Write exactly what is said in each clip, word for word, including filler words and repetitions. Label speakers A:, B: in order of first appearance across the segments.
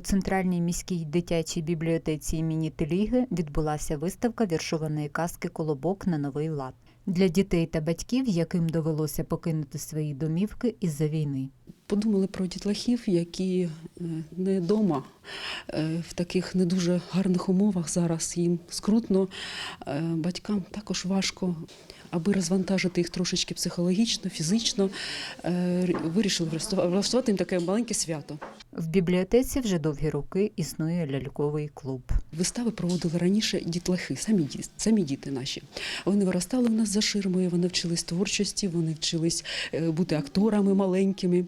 A: Центральній міській дитячій бібліотеці імені Теліги відбулася виставка віршованої казки «Колобок на новий лад» для дітей та батьків, яким довелося покинути свої домівки із-за війни.
B: Подумали про дітлахів, які не вдома, в таких не дуже гарних умовах зараз їм скрутно, батькам також важко. Аби розвантажити їх трошечки психологічно, фізично, вирішили влаштувати їм таке маленьке свято.
A: В бібліотеці вже довгі роки існує ляльковий клуб.
B: Вистави проводили раніше дітлахи, самі діти, самі діти наші. Вони виростали у нас за ширмою, вони вчились творчості, вони вчились бути акторами маленькими.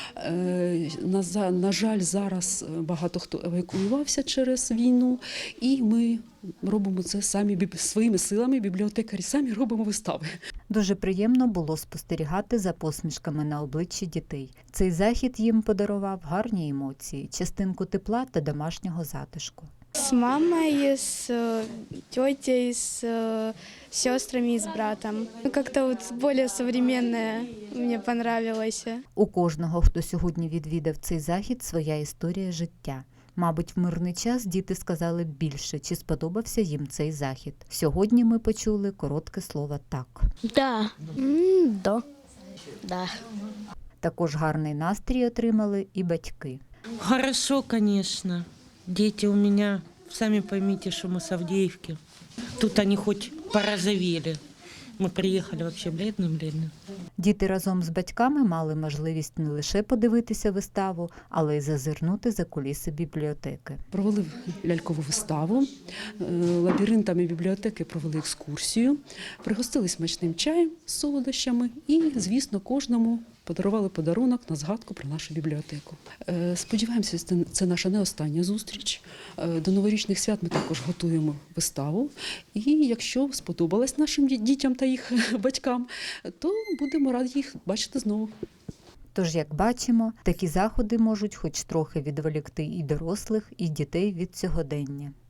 B: На, на жаль, зараз багато хто евакуювався через війну, і ми робимо це самі своїми силами, бібліотекарі самі робимо вистави.
A: Дуже приємно було спостерігати за посмішками на обличчі дітей. Цей захід їм подарував гарні емоції, частинку тепла та домашнього затишку.
C: С мамой, с тетей, с сестрами и с братом. Как-то вот более современное мне понравилось.
A: У кожного, хто сьогодні відвідав цей захід, своя історія життя. Мабуть, в мирний час діти сказали б більше, чи сподобався їм цей захід. Сьогодні ми почули коротке слово «так».
D: Да. Mm, да. Да.
A: Також гарний настрій отримали і батьки.
E: Хорошо, конечно. Дети у меня, сами поймите, что мы с Авдеевки. Тут они хоть порозовели. Ми приїхали вообще бледним-бледним.
A: Діти разом з батьками мали можливість не лише подивитися виставу, але й зазирнути за куліси бібліотеки.
B: Провели лялькову виставу, лабіринтами бібліотеки провели екскурсію, пригостили смачним чаєм з солодощами і, звісно, кожному подарували подарунок на згадку про нашу бібліотеку. Сподіваємося, це наша не остання зустріч. До новорічних свят ми також готуємо виставу. І якщо сподобалось нашим дітям та їх батькам, то будемо раді їх бачити знову.
A: Тож, як бачимо, такі заходи можуть хоч трохи відволікти і дорослих, і дітей від сьогодення.